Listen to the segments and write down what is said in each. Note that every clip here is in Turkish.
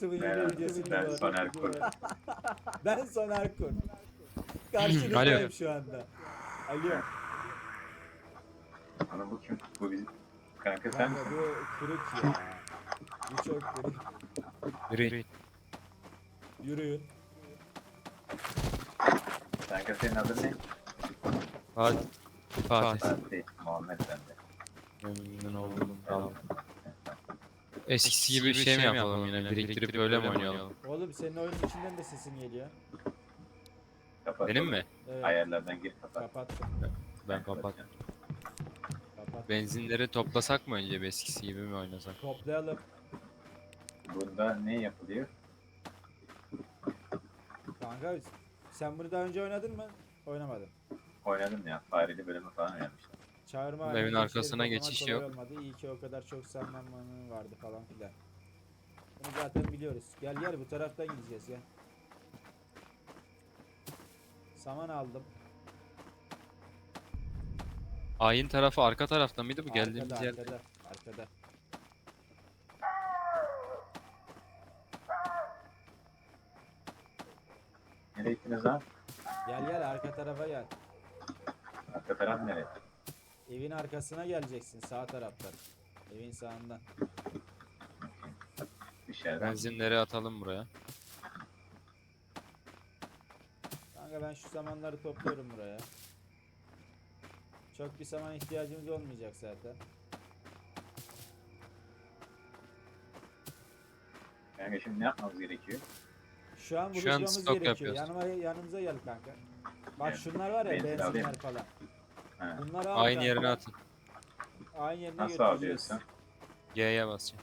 YouTube'un yeni Merhaba, videosunda ben var. Soner Kur. Ben Soner Kur. Karşınızdayım Alo. şu anda. Alo. Ama bu kim? Bu bizim kanka sen Kanka misin? bu kırık ya. Bu çok kırık. Yürü. Yürüyün. Kanka senin adın ne? Hadi. Fatih. Fatih. Muhammed bende. Memnun oldum. Tamam. Eskisi gibi bir şey mi yapalım yine? Biriktirip öyle mi oynayalım? Oğlum senin oyunun içinden de sesin geliyor. Kapat. Benim oğlum. mi? Evet. Ayarlardan gir kapat. Kapattım. Ben kapat. Kapat. Benzinleri toplasak mı önce bir eskisi gibi mi oynasak? Toplayalım. Bunda ne yapılıyor? Kanka sen bunu daha önce oynadın mı? Oynamadın. Oynadım ya. Fareli bölümü falan oynamıştım. Çağırma Evin halinde arkasına içeri toplamak geçiş kolay yok. Olmadı. İyi ki o kadar çok sanmanın vardı falan filan. Bunu zaten biliyoruz. Gel gel bu taraftan gideceğiz ya. Saman aldım. Ayin tarafı arka tarafta mıydı bu geldiğimiz Arkada, yer? arkada. Nereye gittiniz lan? Gel gel arka tarafa gel. Arka taraf nereye? Evin arkasına geleceksin sağ taraftan. Evin sağından. Dışarıdan. Benzinleri atalım buraya. Kanka ben şu samanları topluyorum buraya. Çok bir saman ihtiyacımız olmayacak zaten. Kanka şimdi ne yapmamız gerekiyor? Şu an Şu an buluşmamız stok gerekiyor. yapıyoruz. Yanımıza gel kanka. Bak Evet. şunlar var ya Benzin benzinler alayım. falan. Ha. Bunları al Aynı kanka. yerine atın. Aynı yerine Nasıl götüreceğiz. alıyorsun? G'ye basacağım.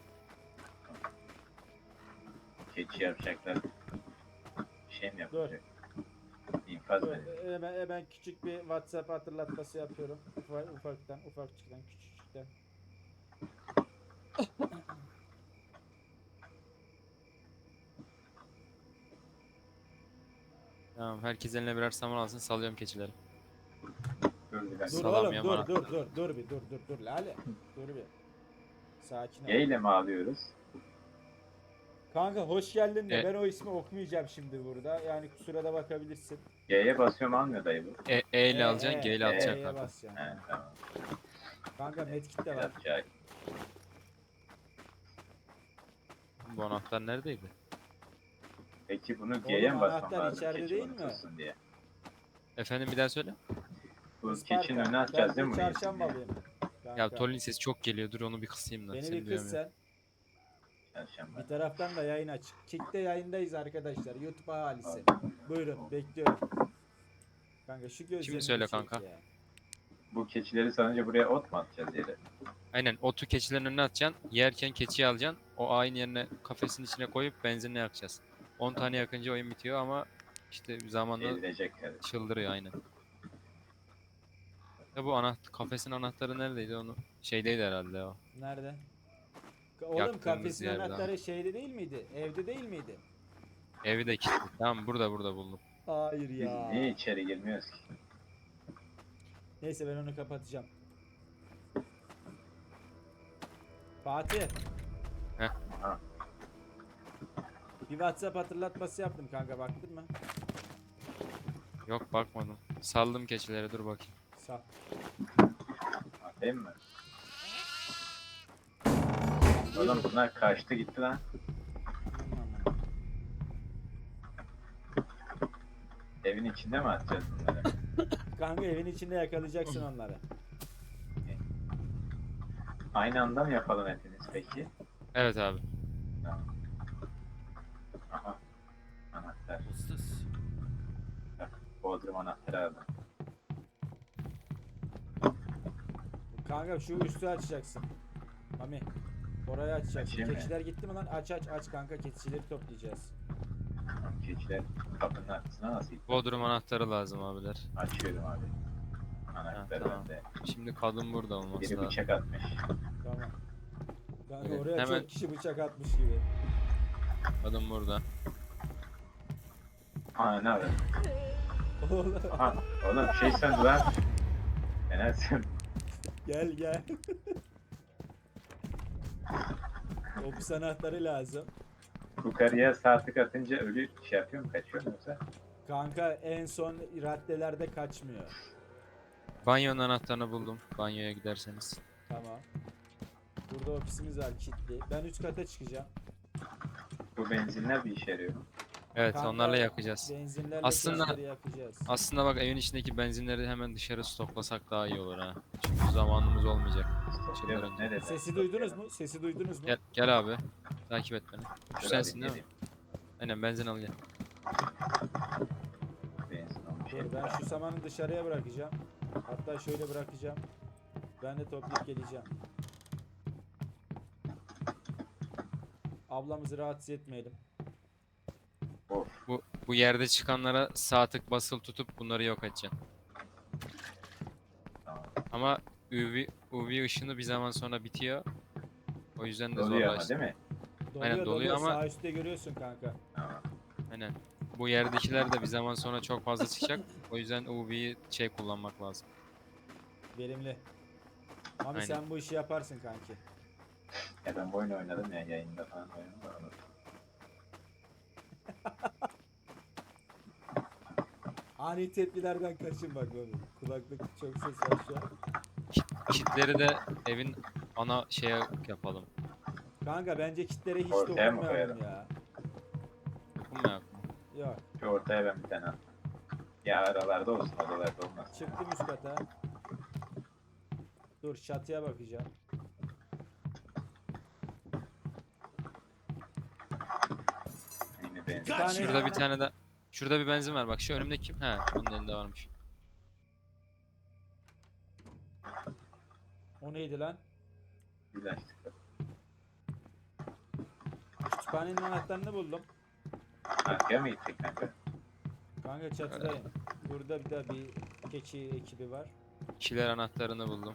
Keçi yapacaklar. Bir şey mi yapacak? İnfaz Dur, mı? hemen küçük bir WhatsApp hatırlatması yapıyorum. Ufaktan, küçükten. Tamam herkes eline birer saman alsın salıyorum keçileri. Dur bir dakika. Dur Salam oğlum, yamana. dur Lale. Dur bir. Sakin ol. Y ile mi alıyoruz? Kanka hoş geldin de E- ben o ismi okumayacağım şimdi burada. Yani kusura da bakabilirsin. Y'ye basıyorum almıyor dayı bu. E ile alacaksın G ile atacaksın E'ye kanka. basacaksın. He tamam. Kanka medkit de var. Yapacak. Bu anahtar neredeydi? Peki bunu G'ye mi basmam anahtar lazım? içeride Keçi değil mi? unutulsun diye. Efendim bir daha söyle. Bu Isparta. keçinin önüne atacağız değil mi? Ben bunu? de çarşambalıyım. Ya Kanka. Tolin sesi çok geliyor dur onu bir kısayım da. Beni seni bir kız duyamıyorum. sen. Çarşamba. Bir taraftan da yayın aç. Kick'te yayındayız arkadaşlar. YouTube ahalisi. Buyurun bekliyorum. Kanka şu gözlerini Şimdi söyle bir çek kanka. ya. Bu keçileri sanınca buraya ot mu atacağız yere? Aynen otu keçilerin önüne atacaksın. Yerken keçiyi alacaksın. O aynı yerine kafesin içine koyup benzinle yakacağız. 10 tane yakınca oyun bitiyor ama işte zamanla Ezilecek kardeşim. çıldırıyor aynen. Ya bu kafesin anahtarı neredeydi onu? Şeydeydi herhalde o. Nerede? Oğlum Yaktığımız kafesin yerde anahtarı şeyde değil miydi? Evde değil miydi? Evi de kilitli. Tamam burada buldum. Hayır Biz ya. niye içeri girmiyoruz ki? Neyse ben onu kapatacağım. Fatih. Heh. Ha. Bir WhatsApp hatırlatması yaptım kanka baktın mı? Yok bakmadım. Saldım keçileri dur bakayım. Sağ. Atayım mı? Oğlum bunlar kaçtı gitti lan. Evin içinde mi atacağız bunları? Kanka evin içinde yakalayacaksın onları. Aynı anda mı yapalım hepiniz peki? Evet abi. Tamam. Aha. Anahtar. Bak, Bodrum anahtarı aldım. Kanka şu üstü açacaksın. Mami. Orayı açacaksın. Açayım mı? Keçiler gitti mi lan? Aç kanka keçileri toplayacağız. Tamam, keçiler kapının arkasına nasıl gitti? Bodrum anahtarı lazım abiler. Açıyorum abi. Anahtar tamam. bende. Şimdi kadın burada olması Biri lazım. bıçak atmış. Tamam. Kanka Evet, oraya hemen- çok kişi bıçak atmış gibi. Kadın burada. Aa ne haber? Oğlum, Aha oğlum şey söndü lan. Enersin. gel. Opus anahtarı lazım. Yukarıya sağ tık atınca ölü şey yapıyor mu? Kaçıyor mu yoksa? Kanka en son raddelerde kaçmıyor. Banyonun anahtarını buldum. Banyoya giderseniz. Tamam. Burada ofisimiz var kilitli. Ben üst kata çıkacağım. Bu benzinler bir işe yarıyor. Evet, Kanka, onlarla yakacağız. Benzinlerle Aslında- keçileri yakacağız. Aslında bak, evin içindeki benzinleri hemen dışarı stoklasak daha iyi olur ha. Çünkü zamanımız olmayacak. Stoklayalım. Ne dedi? Sesi duydunuz mu? Sesi duydunuz mu? Gel abi. Takip et beni. Şu Dur sensin abi, değil mi? geleyim. Aynen, benzin al gel. Benzin olmuş. Dur, ben şu samanı dışarıya bırakacağım. Hatta şöyle bırakacağım. Ben de toplayıp geleceğim. Ablamızı rahatsız etmeyelim. Of. Bu yerde çıkanlara sağ tık basılı tutup bunları yok edeceksin. Tamam. Ama UV ışını bir zaman sonra bitiyor. O yüzden de Doluyor ama zorlaştı. değil mi? Doluyor, doluyor ama- Sağ üstte görüyorsun kanka. Tamam. Aynen. Bu yerdekiler de bir zaman sonra çok fazla çıkacak. O yüzden UV'yi kullanmak lazım. Verimli. Mami Aynen. sen bu işi yaparsın kanki. Ya ben bu oyunu oynadım ya yayında falan oynadım da onu. Ani tepkilerden kaçın bak Mami. Kulaklık çok ses var şu an. Kitleri de evin ana şeye yapalım. Kanka bence kitlere hiç Ortaya mı dokunmayalım koyalım? ya. Dokunmayak mı? Yok. Şu ortaya ben bir tane attım. Ya aralarda olsun odalarda olmaz. Çıktım üst kata. Dur çatıya bakacağım. Yine benzin. tane- Şurada bir tane de şurada bir benzin var. Bak şu önümde kim? He, onun elinde varmış. O neydi lan? Güzel. Kütüphanenin anahtarını buldum. Arkaya mı gittik kanka? Kanka çatıdayım. Burada bir de bir keçi ekibi var. Kiler anahtarını buldum.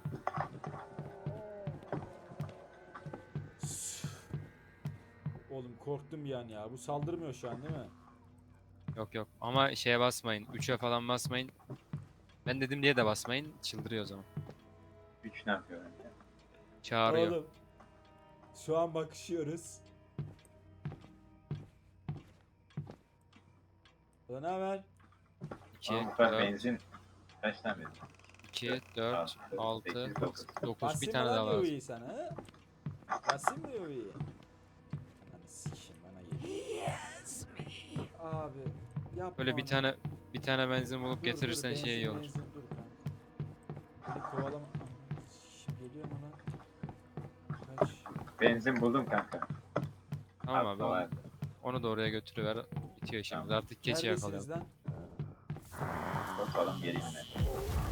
Oğlum korktum bir an ya. Bu saldırmıyor şu an değil mi? Yok ama şeye basmayın. 3'e falan basmayın. Ben dedim diye de basmayın. Çıldırıyor o zaman. 3 ne yapıyor önce? Çağırıyor. Oğlum. Şu an bakışıyoruz. Ulan ne haber? 2, Ama bu kadar 4, benzin kaç tane benzin? 2, 4, 6, 8, 9. 9. Basayım Bir mı tane lan daha lazım. UV'yi sana ha? Basayım mı UV'yi? Lan sikişim bana geliyor. Abi yapma Böyle bir onu. tane benzin bulup Dur, getirirsen dur, şey iyi benzin, olur. benzin, dur kanka. Beni kovalama. Şimdi geliyorum ona. Kaç. Benzin buldum kanka. Tamam Altta abi. var. Onu da oraya götürüver. Bitiyor işimiz. Tamam. Artık keçi Neredesiniz yakalayalım. lan? Bakalım geleyim ben.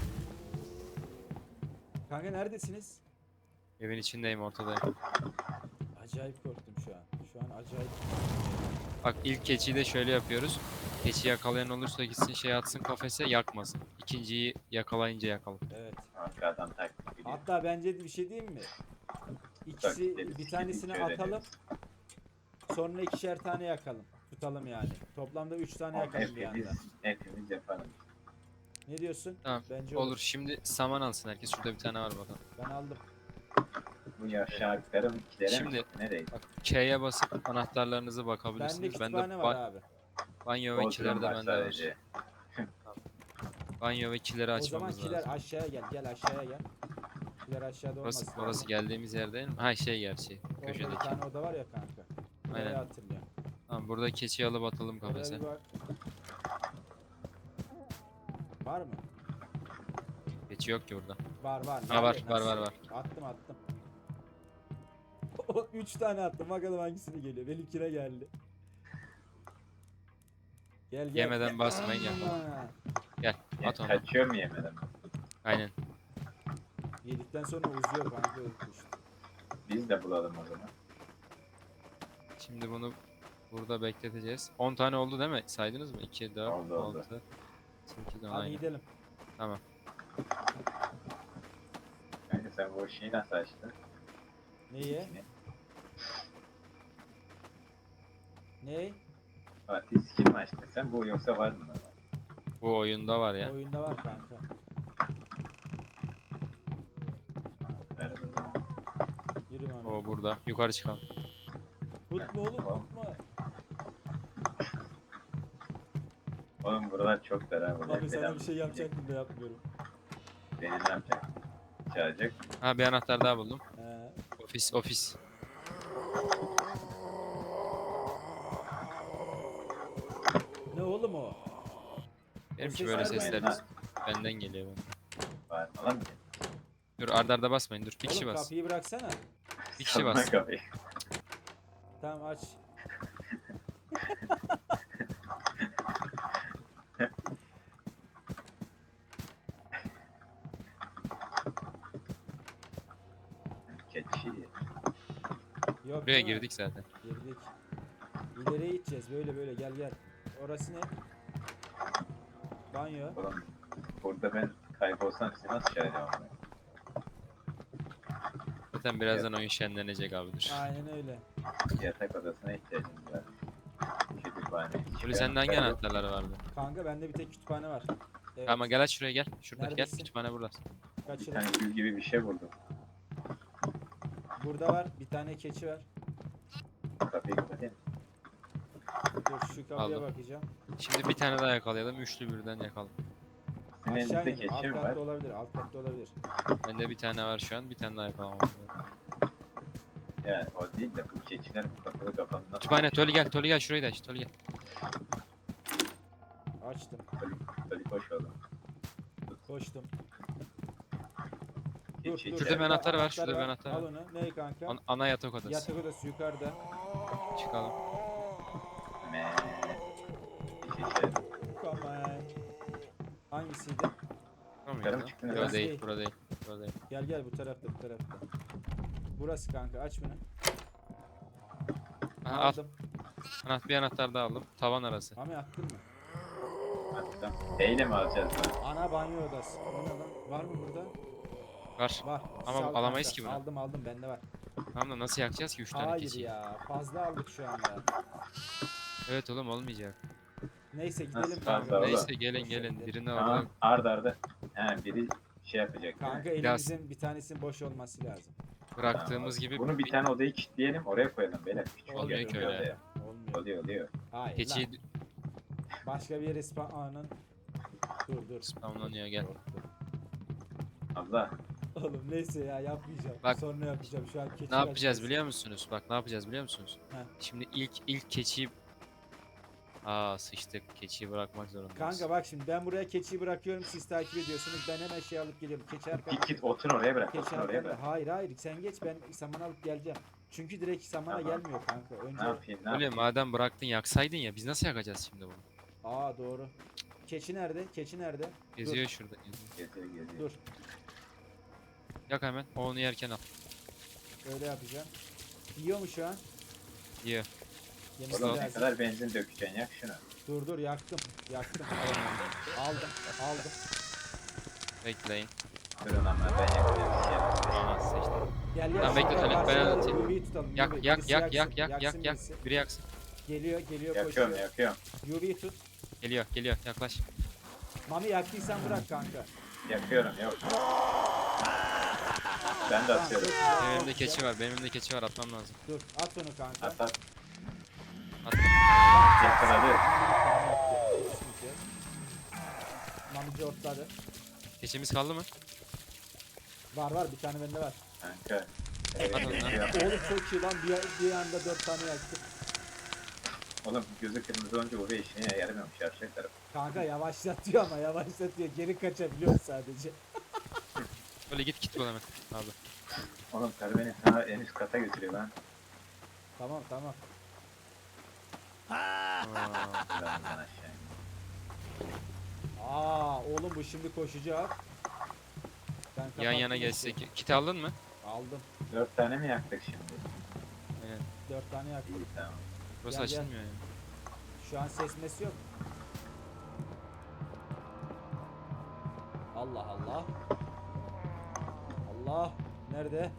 Kanka neredesiniz? Evin içindeyim, ortadayım. Acayip korktum şu an. Şu an acayip. Bak, ilk keçiyi de şöyle yapıyoruz. Keçi yakalayan olursa gitsin şey atsın kafese, yakmasın. İkinciyi yakalayınca yakalım. Evet. Kanka adam taktik biliyor. Hatta bence bir şey diyeyim mi? İkisi Taktik bir tanesini öğreniyoruz. atalım. Sonra ikişer tane yakalım. Tutalım yani. Toplamda 3 tane Ama yakalım bir anda. hepimiz yapalım. Ne diyorsun? Tamam. Bence Olur. Şimdi saman alsın herkes. Şurada bir tane var bakalım. Ben aldım. Bu yaşarlıklarım ikilere Şimdi- mi? Nereye? Bak, K'ye basıp anahtarlarınızı Bende bakabilirsiniz. kütüphane var abi. Banyo ve kiler de Bodrum var bende var. sadece. Banyo ve kileri O zaman açmamız kiler lazım. aşağıya gel. Gel aşağıya gel. Kiler aşağıda olmaz. Orası geldiğimiz yer değil mi? Ha, şey gerçi. Orada bir Köşedeki. tane oda var ya kanka. Orayı Aynen. hatırlıyorum. Tamam, burada keçiyi alıp atalım Oraya kafese. bir bak. Var mı? Keçi yok ki burada. Var. Ha, var, Nerede? var, Nasıl? var. Attım. 3 tane attım. Bakalım hangisini geliyor. Benimkine geldi. Gel. Yemeden basmayın, yapalım. Ha. Gel, at onu. Kaçıyor mu yemeden? Aynen. Yedikten sonra uzuyor kanka. Öpmüş. Biz de bulalım o zaman. Şimdi bunu burada bekleteceğiz. 10 tane oldu değil mi? Saydınız mı? 2, 4, Oldu. 6, 8, 10, Hadi aynen. gidelim. Tamam. Kanka sen bu şeyi nasıl açtın? Neye? İçini. Ne? Fatih skin mi açtın sen? Bu yoksa var mı? Bu oyunda var ya. Oyunda var kanka. Ver o zaman. Yürü Mami. O burada. Yukarı çıkalım. Tutma oğlum tutma. Oğlum buralar çok dar ha. Buralar Abi sana falan. bir şey yapacaktım da yapmıyorum. Beni ne yapacak? Çağıracak. Ha bir anahtar daha buldum. He. Ofis. Ne oğlum o? Benimki ses böyle nereden sesler geliyor? benden geliyor. Bağırma lan. Dur arda basmayın dur. Bir kişi Oğlum bas. kapıyı bıraksana. Bir kişi Salma bas. kapıyı. Tamam aç. Keçi. Yok Buraya değil mi? girdik zaten. Girdik. İleriye gideceğiz. Böyle gel gel. Orası ne? Banyo. Oğlum burada ben kaybolsam sizi nasıl çağıracağım onu? Zaten birazdan oyun şenlenecek abi dur. Aynen öyle. Yatak odasına ihtiyacımız var. Kütüphane. Böyle sende hangi anahtarlar vardı? Kanka bende bir tek kütüphane var. Evet. Tamam gel aç şuraya gel. Şurada Neredesin? gel. Kütüphane burada. Bir Kaçırdım. tane gül gibi bir şey buldum. Burada var. Bir tane keçi var. Kapıyı kapatayım. Dur şu kapıya Aldım. bakacağım. Şimdi bir tane daha yakalayalım. Üçlü birden yakalım. Sizin Aşağı elinizde inelim. Alt keçi mi var? katta olabilir. Alt katta olabilir. Bende bir tane var şu an. Bir tane daha yakalamam lazım. Yani o değil de bu keçiler bu kapılı kapandı. Kütüphane Toli gel şurayı da aç. Toli gel. Açtım. Toli koş oğlum. Koştum. Keçi Şurada bir anahtar var, şurada bir var. anahtar Al var. onu. Ne kanka? Ana yatak odası. Yatak odası yukarıda. Çıkalım. Me. Keçi. Come on. Hangisiydi? Tamam Yukarı mı ya. çıktınız Burada lan? değil, burada değil. Burada değil. Gel bu tarafta bu tarafta. Burası kanka aç bunu. Aha, al. Aldım. Bir anahtar daha aldım. Tavan arası. Mami attın mı? Attım. Eyle mi alacağız bunu? Ana banyo odası. O ne lan? Var mı burada? Var. Var. Ama Sal alamayız kanka. ki bunu. Aldım bende var. Tamam da nasıl yakacağız ki 3 tane Hayır keçiyi? ya. Fazla aldık şu anda. Evet oğlum olmayacak. Neyse gidelim Nasıl kanka. fazla oğlum? Neyse gelin Boş gelin. ver. Birini Tamam. orada. Arda arda. He biri şey yapacak. Kanka değil mi? elimizin bir tanesinin boş olması lazım. Bıraktığımız Tamam. gibi Bunu bir tane odayı kilitleyelim oraya koyalım beyler. Küçük Olmuyor yer, ki bir öyle. odaya. Olmuyor. Oluyor. Hayır keçiyi lan. Başka bir yere spawn'ın. Dur. spamlanıyor gel. Abla. Oğlum neyse ya yapmayacağım. Bak, Sonra yapacağım. Şu an keçi Ne yapacağız açacağız. biliyor musunuz? Bak ne yapacağız biliyor musunuz? Heh. Şimdi ilk keçiyi sıçtık. Keçiyi bırakmak zorundayız. Kanka bak şimdi ben buraya keçiyi bırakıyorum siz takip ediyorsunuz. Ben hemen şey alıp geliyorum. Keçi arkamda. Git otur oraya bırak. Keçi Otur oraya arkamda. bırak. Hayır sen geç ben saman alıp geleceğim. Çünkü direkt samana Tamam. gelmiyor kanka. Önce Ne yapayım ne Öyle yapayım? madem bıraktın yaksaydın ya biz nasıl yakacağız şimdi bunu? Aa doğru. Keçi nerede? Keçi nerede? Geziyor şurada geziyor. Geziyor. Dur. Yak hemen onu yerken al. Öyle yapacağım. Yiyor mu şu an? Yiyor. Yemesi Oğlum ne lazım. kadar benzin dökeceksin yak şunu. Dur yaktım. Aldım. Bekleyin. Durun ama ben yakacağım. Şey yapacağım. Aa sıçtık. Gel Tamam, bekle, şurada Talip, ben karşıda anlatayım. UV'yi tutalım. Yak UV. yak Birisi yak yaksın, yak yaksın yak. birisi. Biri yaksın. Geliyor Yakıyorum koşuyor. yakıyorum. UV'yi tut. Geliyor yaklaş. Mami yaktıysan bırak kanka. Yakıyorum yok. Ben de Tamam, atıyorum. çok güzel, Benim çok elimde keçi güzel. var. Benim elimde keçi var atmam lazım. Dur at onu kanka. At at. Attım. Yakaladı. Mamici ortladı. Keçimiz kaldı mı? Var bir tane bende var. Kanka. At onu lan. Oğlum çok iyi lan bir anda 4 tane yaktık. Oğlum gözü kırmızı olunca oraya işine yaramıyormuş yarışacak taraf. Kanka yavaşlatıyor ama yavaşlatıyor. Geri kaçabiliyor sadece. Öyle git bul hemen. Abi. Oğlum karı beni ta en üst kata götürüyor lan. Tamam. Aa, Ben aşağı. Oğlum bu şimdi koşacak. Ben yan kapattım yana işte. geçsek. Kit aldın mı? Aldım. 4 tane mi yaktık şimdi? Aynen. 4 tane yaktım. İyi tamam. Burası Gel, gel. açılmıyor yani. Şu an ses mes yok. Allah. Allah. Nerede?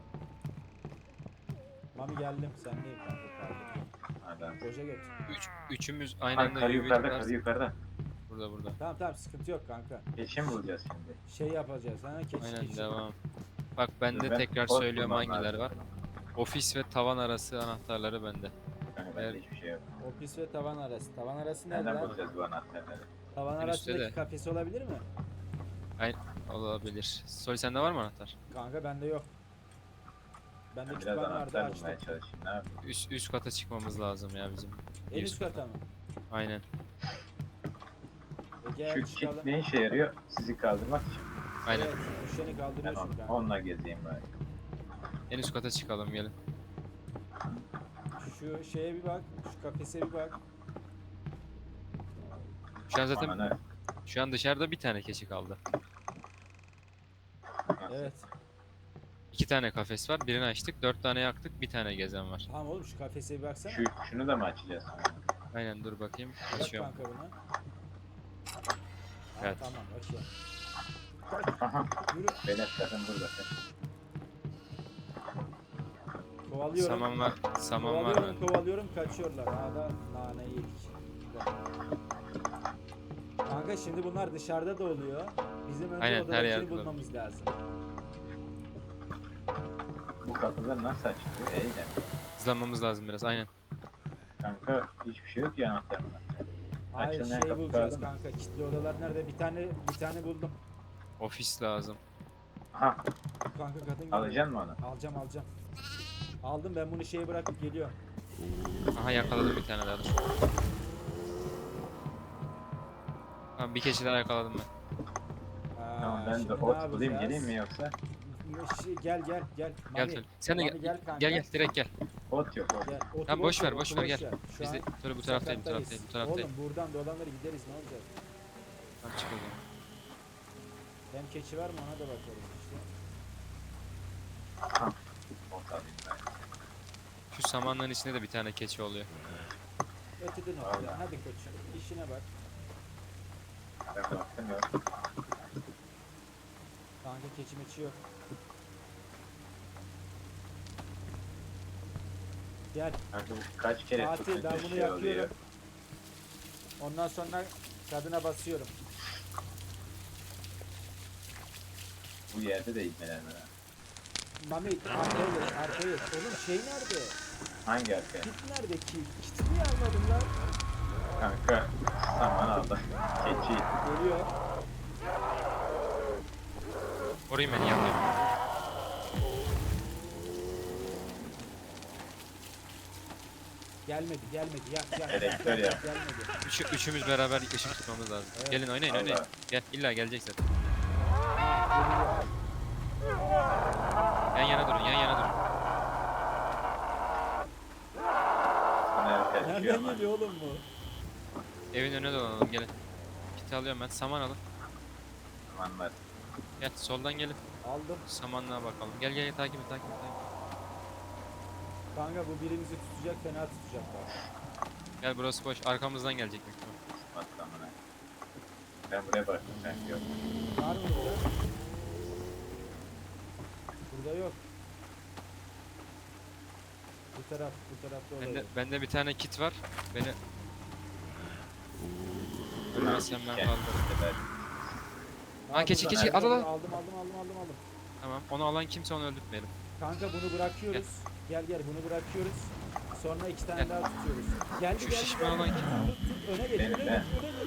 Mami geldim. Sen değil kanka kardeşim. Adam. Koca göt. Üçümüz aynı Ay, anda karı yürüyüp yukarıda gidersin. karı yukarıda. Burada. Tamam sıkıntı yok kanka. Keçi mi bulacağız şimdi? Şey yapacağız. Keçi. Aynen devam. Bak bende Ben tekrar kod söylüyorum bulmam hangileri lazım. var. Ofis ve tavan arası anahtarları bende. Kanka Bende Evet. hiçbir şey yok. Ofis ve tavan arası. Tavan arası nerede Nereden lan? bulacağız bu anahtarları? Tavan En üstte arasındaki de. kafesi olabilir mi? Olabilir. Sol sende var mı anahtar? Kanka bende yok. Bende Ben biraz kütüphane vardı anahtar açtım. bulmaya çalışayım. Ne yapayım? Üst kata çıkmamız lazım ya bizim. En Bir üst kata mı? Aynen. Gel Şu kit çıkalım. ne işe yarıyor? Sizi kaldırmak için. Aynen. Evet, düşeni kaldırıyorsun Tamam. kanka. Onunla gezeyim ben. En üst kata çıkalım gelin. Şu şeye bir bak, şu kafese bir bak. Şu an zaten Ananı. şu an dışarıda bir tane keçi kaldı. Nasıl? Evet. 2 tane kafes var. Birini açtık. 4 tane yaktık. Bir tane gezen var. Tamam oğlum şu kafese bir baksana. Şunu da mı açacağız? Aynen dur bakayım. Bak Açıyorum. kanka buna. Evet. Tamam okey. Aha. Yürü. Benim kadın burada. Kovalıyorum. Saman var. Saman var Kovalıyorum, mı? kovalıyorum, kaçıyorlar. Ha da naneyi yedik. Kanka şimdi bunlar dışarıda da oluyor. Bizim önce Aynen, her odadakini yerde bulmamız lazım. Bu kapıları nasıl açılıyor? Eyle. Hızlanmamız lazım biraz. Aynen. Kanka hiçbir şey yok ya anahtarında. Hayır Açılmayan şey kapı bulacağız kaldı mı? kanka. Kilitli odalar nerede? Bir tane buldum. Ofis lazım. Aha. Kanka kadın geliyor. Alacaksın mı onu? Alacağım. Aldım ben bunu şeye bırakıp geliyorum. Aha yakaladım bir tane daha. Dur. Tamam bir keçi daha yakaladım ben. Tamam ben de şimdi ne ot bulayım yapacağız? geleyim mi yoksa? Gel. Gel Mami, Tölü. Sen de Mami gel. Gel kanka. Gel direkt gel. Ot yok ot. Gel. Otu Tamam boş ver otu gel. Şu Biz an de Tölü bu taraftayım sakattayız. bu taraftayım. Oğlum buradan dolanları gideriz ne olacak? Tamam çık o zaman. Hem keçi var mı ona da bakarız işte. Ot alayım ben. Şu samanlığın içinde de bir tane keçi oluyor. Ötedin Vallahi. otu. Hadi koçum işine bak. Ben baktım yok. Kanka keçi meçi yok. Gel. Kanka bu kaç kere Fatih ben tutunca bunu şey oluyor. yakıyorum. Ondan sonra kadına basıyorum. Bu yerde de ilmelenme. Mami arkaya geç. Oğlum şey nerede? Hangi arkaya? Kit nerede ki? Kiti niye almadın lan? Kanka saman aldı. Keçi. Geliyor. Orayı beni yakayım. Gelmedi. Yak. Elektör yak. Gelmedi. Üçümüz beraber ışık tutmamız lazım. Evet. Gelin oynayın. Allah. Gel illa gelecek zaten. Geliyor. Yan yana durun. Sana erken çıkıyor Nereden ama. geliyor oğlum bu? Evin önüne dolanalım gelin. Kiti alıyorum ben. Saman alın. Samanlar. Gel soldan gelin. Aldım. Samanlığa bakalım. Gel takip et. Kanka bu birimizi tutacak fena tutacak bak. Gel burası boş. Arkamızdan gelecek büyük ihtimal. Bak samana. Ben buraya baktım sanki yok. Var mı burada? Burada yok. Bu tarafta olabilir. Bende bir tane kit var. Beni Bunlar ölmezsem ben iki kaldım. sefer. Ha keçi burada. al. Aldım. Tamam. Onu alan kimse onu öldürtmeyelim. Kanka bunu bırakıyoruz. Gel bunu bırakıyoruz. Sonra iki tane Gel. daha tutuyoruz. Geldi. Şu şişman olan kim? Tut. Öne geç. Benim, ben.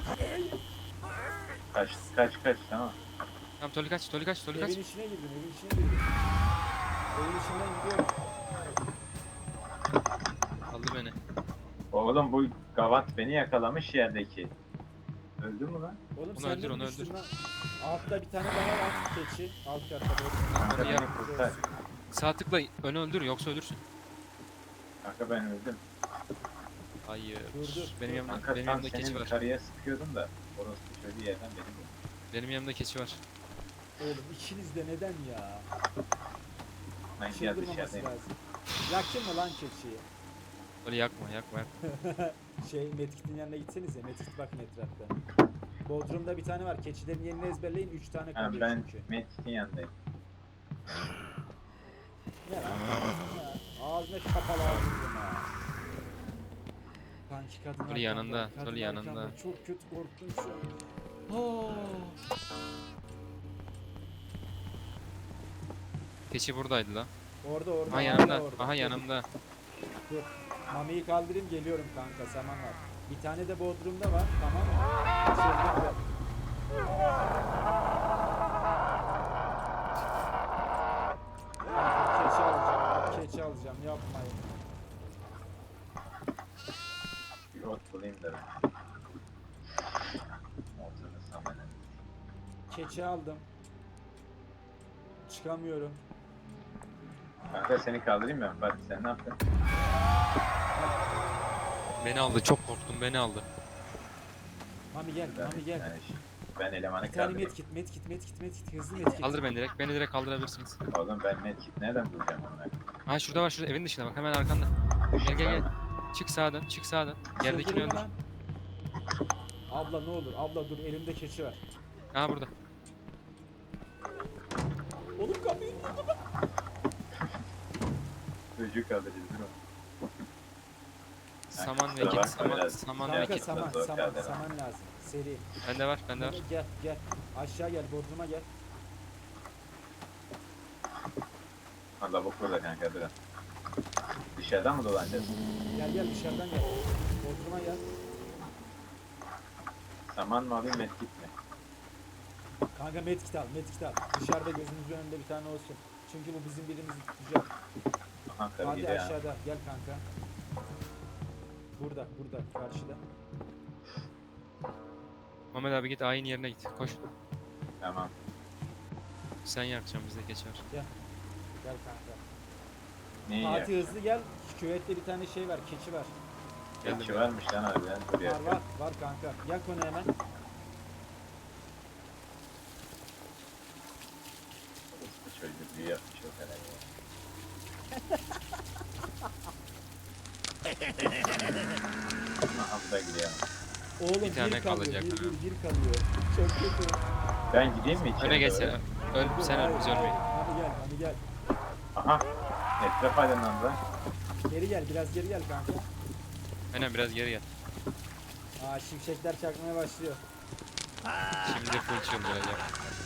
Kaç tamam. Tamam Toli kaç. Evin içine girdim. Evin içinden gidiyorum. Aldı beni. Oğlum bu gavat beni yakalamış yerdeki. Öldü mü lan? Oğlum Onu sen öldür, de onu düştün öldür. lan. Altta bir tane daha var keçi. Alt katta böyle. Kanka Onu beni yap. kurtar. Sağ tıkla önü öldür yoksa ölürsün. Kanka ben öldüm. Hayır. Dur. Benim yanımda Kanka benim tam yanımda keçi senin var. karıya sıkıyordum da. Orası şöyle yerden benim vurdu. Benim yanımda keçi var. Oğlum ikiniz de neden ya? Ben gel Çıldırmaması dışarıdayım. lazım. Yaktın mı lan keçiyi? Öyle yakma. Medkit'in yanına gitsenize. Medkit bakın etrafta. Bodrum'da bir tane var. Keçilerin yerini ezberleyin. 3 tane Ha, kalıyor ben çünkü. Medkit'in yanındayım. Ne lan? Ağzına kapalı ağzını ha. Kanki kadın Toli yanında, arkamda, Toli kadın yanında. arkamda. Çok kötü korktum şu an. Keçi buradaydı lan. Orada. Aha yanımda. Aha yanımda. Dur. Mami'yi kaldırayım geliyorum kanka, saman var. Bir tane de Bodrum'da var, tamam mı? İçeride de. Keçi alacağım, keçi alacağım, yapmayın. Bir ot bulayım da ben. Otunu samanı. Keçi aldım. Çıkamıyorum. Kanka seni kaldırayım mı? Bak sen ne yaptın? Beni aldı. Çok korktum. Beni aldı. Mami gel, Mami gel. Ben elemanı Bir tane kaldırayım. medkit, hızlı medkit. Kaldır beni direkt. Beni direkt kaldırabilirsiniz. Oğlum ben medkit nereden bulacağım onları? Ha şurada var, şurada evin dışında bak, hemen arkanda. Gel gel gel. Çık sağdan, çık sağdan. Yerdekini Çıldırma öldür. lan. Abla ne olur, abla dur, elimde keçi var. Ha burada. Oğlum kapıyı Çocuk kaldıracağız değil mi? Saman ve kusura kit, bakma saman, biraz. saman ve kanka, kit. saman, zor saman, kaldı. saman lazım. Seri. Bende var, bende var. Gel, gel. Aşağı gel, Bodrum'a gel. Allah bok burada kanka durun. Dışarıdan mı dolanacağız? Gel gel, dışarıdan gel. Bodrum'a gel. Saman mı alayım medkit mi? Kanka medkit al, medkit al. Dışarıda gözümüzün önünde bir tane olsun. Çünkü bu bizim birimizi tutacak. Aha karı Hadi gidiyor ha. aşağıda, gel kanka. Burada, karşıda. Mehmet abi git ayin yerine git. Koş. Tamam. Sen yakacaksın, bizde keçi var. Gel kanka. Neyi Fatih yer? hızlı gel. Şu küvette bir tane şey var, keçi var. Geldim Keçi ya. varmış lan harbiden. Dur ya. Var kanka. Gel konu hemen. Bu çocuk büyü yapmış o kadar ya. Aha bu da gidiyor. Oğlum Bir tane bir kalıyor, kalacak, bir, ha. bir kalıyor. Çok kötü. Ben gideyim mi içeri? Öne geç doğru? sen. Sen öl, biz ölmeyin. Hadi gel. Aha. Etraf aydınlandı. Geri gel, biraz geri gel kanka. Aynen, biraz geri gel. Aa, şimşekler çakmaya başlıyor. Şimdi full çıldıracak.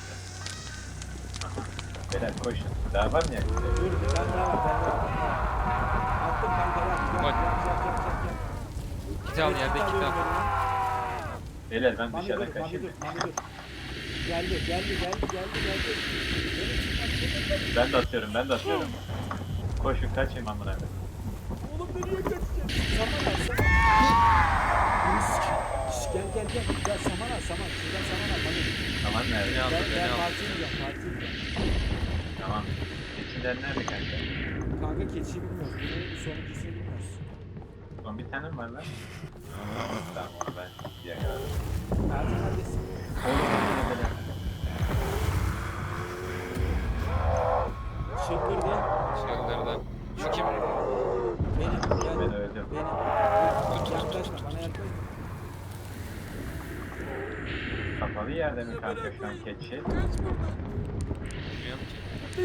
Beyler koşun. Daha var mı ya? Dur, bir tane daha var, Attım kanka, gel. Koy. Gel. Kit al, yerde kit al. Beyler ben Mami dışarıdan dur, kaçayım. Mami dur. Geldi. Ben de atıyorum. Koşun kaçayım amına koyayım. Oğlum nereye kaçacaksın? Saman al, saman. Şşş, gel. Gel saman al. Şuradan saman al. Mami. Tamam Beni nerede? aldı, Ben beni aldı. partiye gidiyorum. Tamam. Keçiler nerede kanka? Kanka keçiyi bilmiyoruz. Bunun sonuncusunu bilmiyoruz. Son bir tane mi var lan? Tamam onu ben diye kadar. Fatih neredesin? Çıldırdı. Çıldırdı. Şu kim? Benim. Gel. Ben öldüm. Benim. Yaklaşma. Bana yaklaşma. Kapalı yerde mi kanka şu an keçi? Bilmiyorum ki.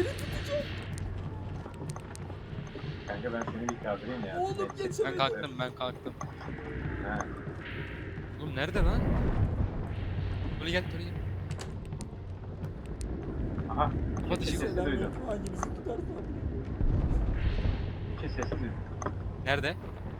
Kanka ben seni bir kaldırayım ya. Oğlum, Keçi. geçemedim. Ben kalktım. Ha. Oğlum nerede lan? Buraya gel. Aha. Hadi Keçi şimdi. sesi duydum. Hangimizi tutarsa. Keçi sesi duydum. Nerede?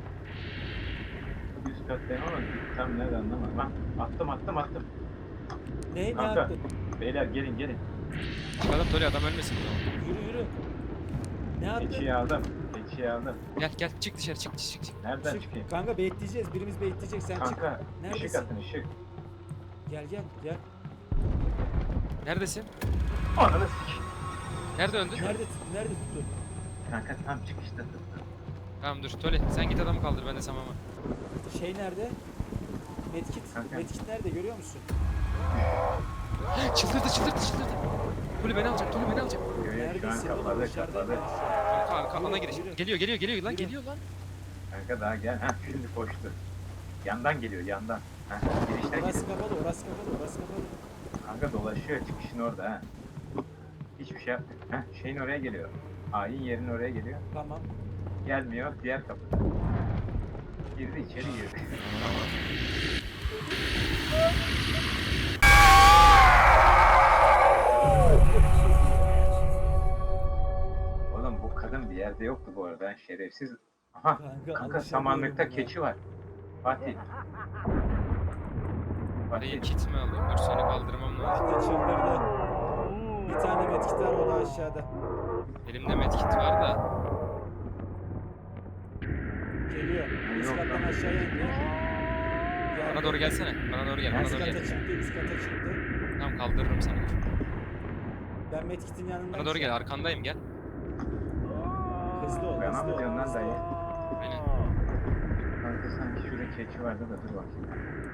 Üst kattayım ama tam nerede anlamadım. Bak attım. Ne Kanka. yaptın? Beyler gelin. Çıkalım Toli, adam ölmesin o zaman. Yürü. Ne yaptın? Keçiyi aldım. Gel çık dışarı, çık. Nereden Çık. çıkayım? Kanka bekleyeceğiz. Birimiz bekleyecek. Sen çık. Kanka Neredesin? ışık atın ışık. Gel. Neredesin? Ananı sik. Nerede öldün? Nerede tuttun? Kanka tam çıkışta tuttum. Tamam dur Toli, sen git adamı kaldır, ben de Samam'a. Şey nerede? Medkit. Kanka. Medkit nerede görüyor musun? Çıldırdı. Toli beni alacak. Şu an Neredesin oğlum? kapalı. Dışarıdayım. Kanka alana giriş. Yürü. Geliyor lan, Yürü. geliyor lan. Kanka daha gel. Ha şimdi koştu. Yandan geliyor yandan. Ha girişten Orası geliyor. kapalı. Kanka dolaşıyor çıkışın orada ha. Hiçbir şey yapmıyor. Ha şeyin oraya geliyor. Ayin yerin oraya geliyor. Tamam. Gelmiyor diğer kapıda. Girdi içeri girdi. Oğlum bu kadın bir yerde yoktu bu arada. Şerefsiz Aha Kanka, kanka alışamıyorum samanlıkta buna. keçi var. Fatih. Arayı Fatih. kit mi alayım? Dur seni kaldırmam lazım. Fatih çıldırdı. Bir tane medkit var, o da aşağıda. Elimde medkit var da. Geliyor. Üst Yok kattan lan. aşağıya indi. Bana doğru gelsene. Bana doğru gel. Bana Üst doğru kata gel. çıktı, üst kata çıktı. Tamam kaldırırım seni. Ben medkitin yanındayım. Bana doğru şu gel. an. Arkandayım gel. Hızlı ol, Bana hızlı mı ol. diyorsun lan hızlı dayı? ol. Aynen. Kanka sanki şurada keçi vardı da dur bakayım.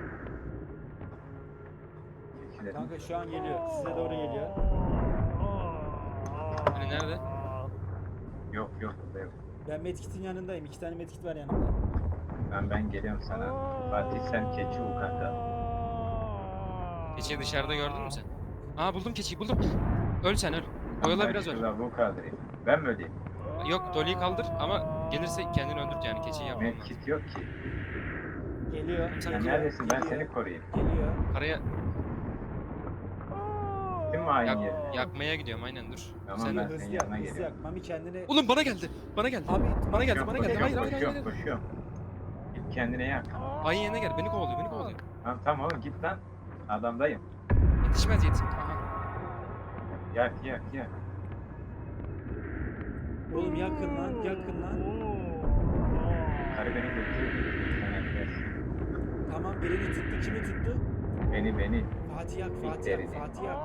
Keçilerin. Kanka şu an geliyor. Size doğru geliyor. Hani nerede? Yok yok burada yok. Ben medkitin yanındayım. 2 tane medkit var yanımda. Ben geliyorum sana. Fatih sen keçi ol kanka. Keçiyi dışarıda gördün mü sen? Aa buldum keçiyi buldum. Öl sen öl. Oyala Ben biraz öl. şurada bu kaldırayım. Ben mi öleyim? Yok Dolly'yi kaldır ama gelirse kendini öldürt yani keçiyi yapmam lazım. Medkit yok ki. Geliyor. Sen Sen geliyor, neredesin? Ben geliyor, seni koruyayım. Geliyor. Karaya Kim mi hain yeri? yakmaya gidiyorum aynen dur. Tamam, Sen ben Hızlı senin yak, yanına hızlı yak. geliyorum. Mami kendini... Oğlum bana geldi. Bana geldi. Abi Bana geldi, Koşuyorum, bana geldi. Hayır, hayır, hayır, koşuyorum, hayır. koşuyorum. Git kendine yak. Ayın yerine gel. Beni kovalıyor, beni kovalıyor. Tamam oğlum git lan. Adamdayım. Yetişmez yetiş. Aha. Yak yak yak. Oğlum yakın lan, yakın lan. Karı beni götürüyor. Sen gidersin. Tamam, birini tuttu. Kimi tuttu? Beni. Fatih yak, Fatih yak, Bitlerini. Fatih yak.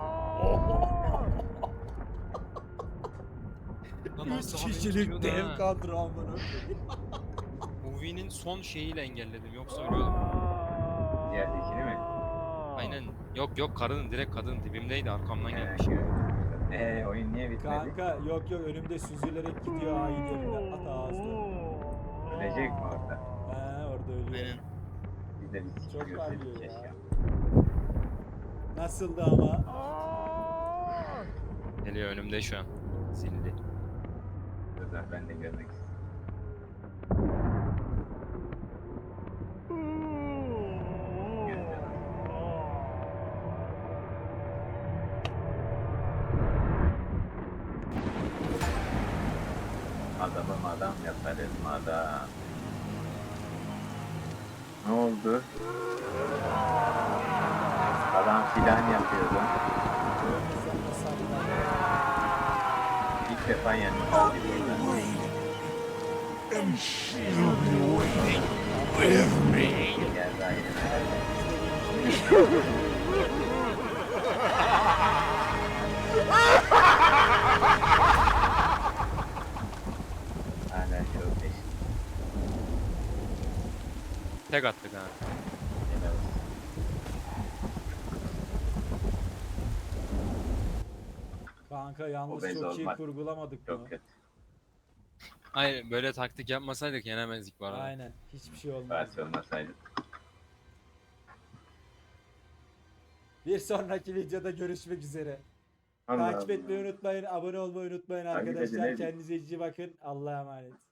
Lan 3 az daha beni kişilik tutuyordu dev ha. kadro amına. Movie'nin son şeyiyle engelledim. Yoksa ölüyordum. Yerdekini mi? Aynen. Yok yok karının direkt kadın dibimdeydi arkamdan gelmiş. Oyun niye bitmedi? Kanka yok yok, önümde süzülerek gidiyor hain yerine. At ağzına. Ölecek mi orada? He, orada ölüyor. Aynen. Biz de bir Çok sikip parlıyor görseydik ya. keşke. Nasıldı ama? Geliyor önümde şu an. Zilli. Dur dur, ben de görmek istiyorum. Görüyorum. Adamım adam yaparım adam. Ne oldu? Adam filan yapıyordu. İlk defa yendim. And she'll be waiting with me. Geldi aynen. Hala çok peşin. Tek attık ha. Helal olsun. Kanka yalnız Obez çok iyi olmak kurgulamadık bunu. Çok kötü. Hayır böyle taktik yapmasaydık yenemezdik bu arada. Aynen. Hiçbir şey olmaz. Fatih olmasaydı. Bir sonraki videoda görüşmek üzere. Allah Takip Allah. etmeyi unutmayın. Abone olmayı unutmayın Takip edin, arkadaşlar. edin. Kendinize iyi bakın. Allah'a emanet.